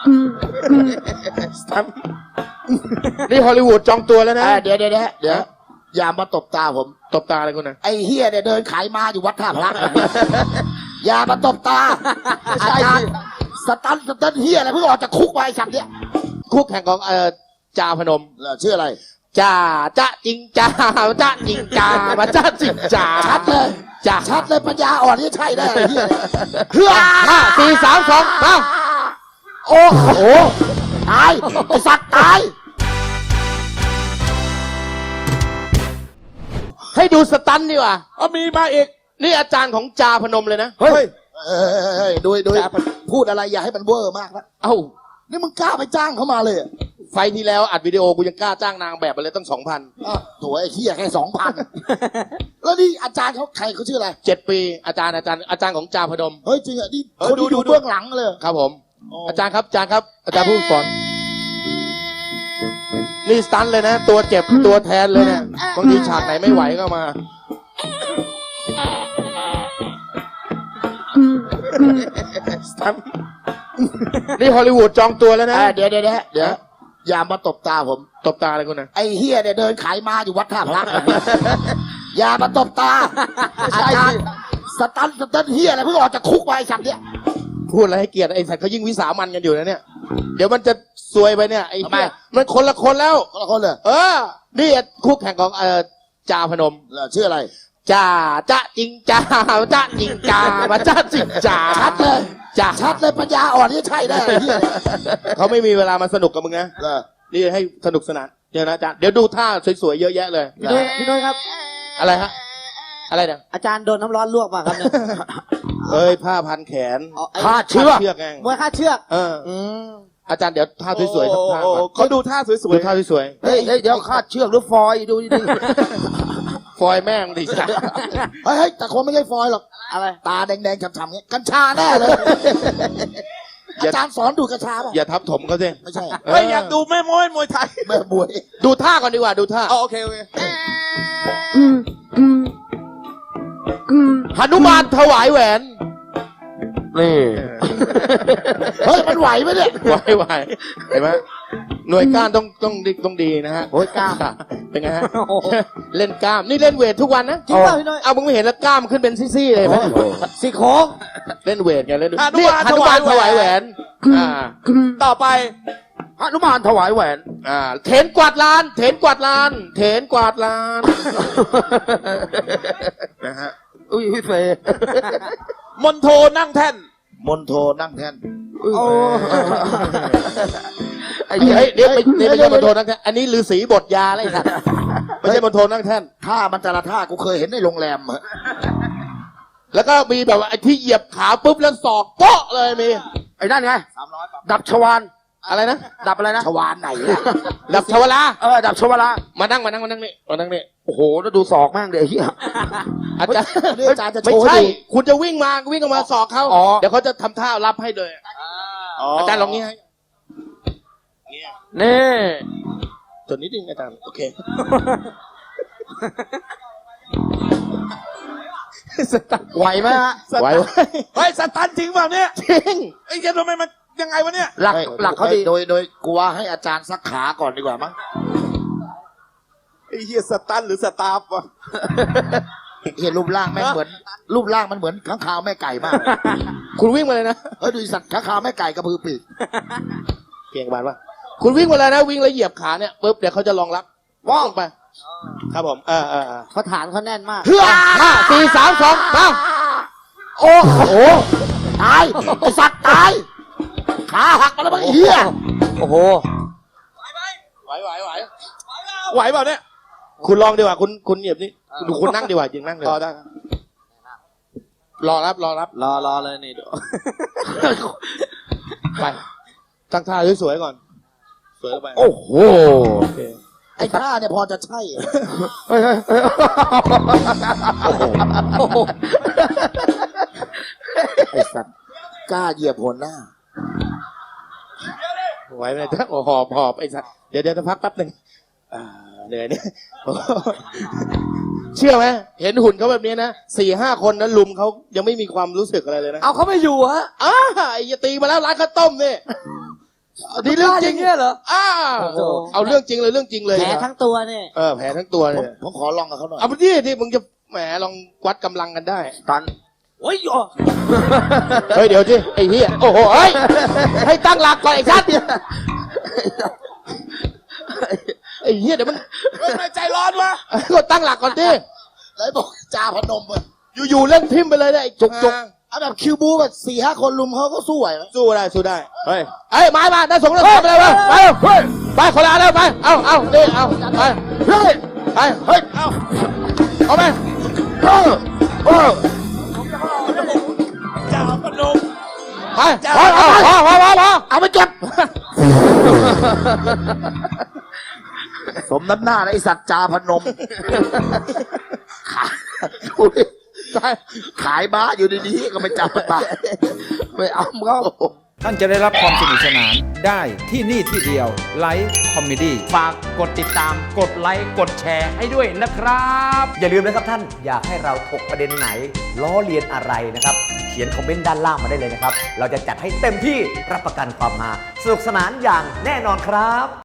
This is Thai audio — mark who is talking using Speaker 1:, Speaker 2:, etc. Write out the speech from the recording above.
Speaker 1: นี่ฮอลลีวูดจองตัวแล้วนะ
Speaker 2: เดี๋ยวอย่ามาตบตาผม
Speaker 1: ตบตาอะไรคุณนะ
Speaker 2: ไอ้เฮียเนี่ยเดินขายมาอยู่วัดท่าพระอย่ามาตบตาอาจารย์สตันเฮียอะไรเพิ่งออกจากคุกมาไอ้สัตว์เนี่ย
Speaker 1: คู่แข่งของจ่าพนม
Speaker 2: ชื่ออะไร
Speaker 1: จ่าจริงจ่าจริงจ่ามาจ่าจริงจ่า
Speaker 2: ชัดเลย
Speaker 1: จ่า
Speaker 2: ชัดเลยปัญญาอ่อนนี่ใช่ได้ไอ้เฮีย
Speaker 1: เพื่อ5 4 3 2มา
Speaker 2: โอ้โหตายไอ้สัตว์ตาย
Speaker 1: ให้ดูสตันดีกว่า
Speaker 3: มีมาอีก
Speaker 1: นี่อาจารย์ของจ่าพนมเลยนะ
Speaker 3: เฮ้ย
Speaker 2: ดูพูดอะไรอย่าให้มันเวอร์มากนะ
Speaker 1: เอ้า
Speaker 2: นี่มึงกล้าไปจ้างเขามาเลย
Speaker 1: ไฟที่แล้วอัดวิดีโอกูยังกล้าจ้างนางแบบไปเลยตั้ง 2,000
Speaker 2: ตัวไอ้เฮียแค่2,000แล้วนี่อาจารย์เขาใครเขาชื่ออะไร
Speaker 1: 7 ปีอาจารย์ของจ่าพนม
Speaker 2: เฮ้ยจริงอ่ะนี่คนที่อยู่เบื้องหลังเลย
Speaker 1: ครับผม
Speaker 2: อ๋ออ
Speaker 1: อาจารย์ครับอาจารย์ผู้สอนนี่สตันเลยนะ ตัวเจ็บตัวแทนเลยเนี่ยบางทีฉากไหนไม่ไหวก็มาสตันนี่ฮอลลีวูดจองตัวแล้วนะ
Speaker 2: เดี๋ยวอย่ามาตบตาผม
Speaker 1: ตบตาอะไรคุณนะ
Speaker 2: ไอ้เฮียเนี่ยเดินขายมาอยู่วัดท่าพระอย่ามาตบตาอาจารย์สตันเฮียอะไรเพิ่งออกจากคุกมาไอ้สัตว์เนี่ย
Speaker 1: พูดอะไรให้เกียรติไอ้สัตว์เขายิ่งวิสามันกันอยู่นะเนี่ยเดี๋ยวมันจะซวยไปเนี่ยไอ้เหี้ยมันคนละคนแล้ว
Speaker 2: คนละคนเลย
Speaker 1: นี่คู่แข่งของจ่าพนม
Speaker 2: ชื่ออะไร
Speaker 1: จ่าจริงจ่าจริงจ่ามาจ่าจริงจ่า
Speaker 2: ชัดเลย
Speaker 1: จ่า
Speaker 2: ชัดเลยปัญญาอ่อนนี่ใช่ได้ไอ้เฮีย
Speaker 1: เขาไม่มีเวลามาสนุกกับมึงนะนี่ให้สนุกสนานเดี๋ยวนะอาจารย์เดี๋ยวดูท่าสวยๆเยอะแยะเลย
Speaker 4: พี่น้อยครับ
Speaker 1: อะไรฮะอะไรเนี่ย
Speaker 4: อาจารย์โดนน้ำร้อนลวกมาครับเนี่ย
Speaker 1: เอ้ยผ้าพันแขน
Speaker 2: ฆ่าเชื้อ
Speaker 1: เชือกไง
Speaker 4: มวยคาดเชือก
Speaker 1: อาจารย์เดี๋ยวท่าสวยๆสักท่าก่อน
Speaker 3: เขาดูท่าสวย
Speaker 1: ดูท่าสวย
Speaker 2: เฮ้ยเดี๋ยวคาดเชือกหรือฟอยดูดิ
Speaker 1: ๆฟอยแม่งดิจ้ะ
Speaker 2: เฮ้ยแต่คนไม่ใช่ฟอยหรอก
Speaker 4: อะไร
Speaker 2: ตาแดงๆฉ่ำๆเงี้ยกัญชาแน่เลยอาจารย์สอนดูกัญชาป่ะ
Speaker 1: อย่าทับถมเขาสิ
Speaker 2: ไม่ใช่
Speaker 3: ๆเฮ้ยอยากดูแม่มวยไทย
Speaker 2: แม่บวย
Speaker 1: ดูท่าก่อนดีกว่าดูท่า
Speaker 3: โอเค
Speaker 1: หนุมานถวายแหวนนี่
Speaker 2: เฮ้ยมันไหวไหมเนี่ย
Speaker 1: ไหวเห็นไหมหน่วยก้านต้องดีนะฮะ
Speaker 2: โอ้ยกล้าม
Speaker 1: เป็นไงฮะเล่นกล้ามนี่เล่นเวททุกวันนะ
Speaker 4: จริงป่ะพี่น้อย
Speaker 1: เอามึงไม่เห็นแล้วกล้ามขึ้นเป็นซี่ๆเลยไหม
Speaker 4: สี่โค้ง
Speaker 1: เล่นเวทไงเล่น
Speaker 3: หนุ
Speaker 1: นี่
Speaker 3: มาน
Speaker 1: หนุมานถวายแหวน
Speaker 3: ต่อไป
Speaker 2: หนุมานถวายแหวน
Speaker 1: เถนกวาดลานเถนกวาดลานเถนกวาดลานนะฮะ
Speaker 2: อุ้ยพี่เฟย
Speaker 3: มนโทนั่งแท่น
Speaker 2: มนโทนั่งแท่น
Speaker 4: โอ้
Speaker 1: เฮ้ยเดี๋ยวไม่ใช่มณฑลนั่งแท่นอันนี้ฤาษีบทยาอะไรสัตว์ไม่ใช่มณฑลนั่งแท่น
Speaker 2: ท่ามันแต่ละท่ากูเคยเห็นในโรงแรมอะ
Speaker 1: แล้วก็มีแบบว่าไอ้ที่เหยียบขาปุ๊บแล้วศอกโป๊ะเลยมี
Speaker 2: ไอ้นั่นไงดับชวาน
Speaker 1: อะไรนะ
Speaker 2: ดับอะไรนะชวานไหนอะ
Speaker 1: ดับชวลา
Speaker 2: ดับชวาระ
Speaker 1: มานั่งนี่
Speaker 2: โอ้โหแล้วดูศอกแม่งเดี๋ยวเฮีย
Speaker 1: อาจารย์
Speaker 2: อาจารย์จะโช
Speaker 1: ไม่
Speaker 2: ว์ให้
Speaker 1: ใช่
Speaker 2: ดู
Speaker 1: คุณจะวิ่งออกมาศอกเขา
Speaker 2: อ๋อ
Speaker 1: เดี๋ยวเขาจะทำท่ารับให้เลยอาจารย์ลองนี้ให้
Speaker 2: นี่
Speaker 1: จนนิดนึงอาจารย์โอเคสตัน
Speaker 2: ไหวไหมฮะ
Speaker 1: ไหว
Speaker 3: เฮ้ยสตันจริงเปล่าเนี่ย
Speaker 1: จริง
Speaker 3: ไอ้เจ้าทำไมมันยังไงวะเนี่ย
Speaker 2: หลักเขาดีโดยกูว่าให้อาจารย์สักขาก่อนดีกว่ามั้ง
Speaker 3: ไอ้เหี้ยสตันหรือสตาฟวะ
Speaker 2: เห็นรูปร่างแม่งเหมือนรูปร่างมันเหมือนข้างคาวแม่ไก่มาก
Speaker 1: คุณวิ่งมาเลยนะ
Speaker 2: ดูสัตว์ข้างคาวแม่ไก่กระพือปีก
Speaker 1: เพียงบาทว่าคุณวิ่งมาเลยนะวิ่งแล้วเหยียบขาเนี่ยปุ๊บเดี๋ยวเขาจะรองรับว่องไป ครับผม
Speaker 4: เขาฐานเขาแน่นมาก
Speaker 1: เพื่อ5 4 3 2มา
Speaker 2: โอ้โหตายไอสัตว์ตายขาหักมาแล้วมั้งไอ้เหี้ย
Speaker 4: โอ้โห
Speaker 1: ไหว
Speaker 3: ไหวเปล่าเนี่ย
Speaker 1: คุณลองดีกว่าคุณเหยียบนี่คุณนั่งดีกว่ายิงนั่งเลยได้รอรับ
Speaker 4: รอเลยนี่ดู
Speaker 1: ไปตั้งท่าสวยๆก่อนสวยลงไป
Speaker 2: โอ้โห
Speaker 1: โอเค
Speaker 2: ไอ้ท่าเนี่ยพอจะใช่ ไอ้สัตว์กล้าเหยียบหัวหน้า
Speaker 1: ไหวไหมจ๊ะโอ้หอบไอ้สัสเดี๋ยวจะพักแป๊บหนึ่งเหนื่อยเนี่ยเชื่อไหมเห็นหุ่นเขาแบบนี้นะ4-5 คนนั้นลุมเขายังไม่มีความรู้สึกอะไรเลยนะ
Speaker 4: เอาเขาไม่อยู่ฮะ
Speaker 1: ไอ้ยาตีมาแล้วร้านข้าวต้มนี่นี่เรื่องจริง
Speaker 4: เนี่ยเหรอ
Speaker 1: อ้าว
Speaker 4: โอ้โห
Speaker 1: เอาเรื่องจริงเลยเรื่องจริงเลย
Speaker 4: แผลทั้งตัวเนี่ย
Speaker 1: แผลทั้งตัว
Speaker 2: ผ
Speaker 1: เล
Speaker 2: ม
Speaker 1: ย
Speaker 2: ผมขอลองกับเขาหน่อย
Speaker 1: เอาไปที่มึงจะแหมลองวัดกำลังกันได้
Speaker 3: ตอน
Speaker 4: โอ้ย
Speaker 1: เฮ้ยเดี๋ยวที่ไอ้เหี้ยโอ้โหเฮ้ยให้ตั้งหลักก่อนไอ้ชัดไอ้เหี้ยเดี๋ยวมัน
Speaker 3: เฮ้ยทำไมใจร้อนวะ
Speaker 1: ก็ตั้งหลักก่อนดิ
Speaker 2: แล้วบอกจ่าพนมอะ
Speaker 1: อยู่ๆเล่นทิมไปเลยได้ไอ้จุก
Speaker 2: เอาแบบคิวบูแบบ4-5 คนลุมเขาก็สู้ไหวไหม
Speaker 1: สู้ได้สู้ได้
Speaker 3: เฮ้ย
Speaker 1: ไอ้ยไม้มาได้ส่งแล้วไปเลยไปไปคนละอันแล้วไปเอาดิเอาไปเฮ้ยไปเฮ้ยเอาไป
Speaker 3: จ่าพนม
Speaker 1: ไปพอ
Speaker 2: เอาไปจบสมน้ำหน้านะไอสัตว์จ่าพนมขายบ้าอยู่ดีๆก็ไม่จับปากไม่เอาเขา
Speaker 5: ท่านจะได้รับความสนุกสนานได้ที่นี่ที่เดียวไลฟ์คอมเมดี้
Speaker 6: ฝากกดติดตาม กดไลค์ กดแชร์ให้ด้วยนะครับ อย่าลืมนะครับท่าน อยากให้เราถกประเด็นไหน ล้อเลียนอะไรนะครับ เขียนคอมเมนต์ด้านล่างมาได้เลยนะครับ เราจะจัดให้เต็มที่รับประกันความฮาสนุกสนานอย่างแน่นอนครับ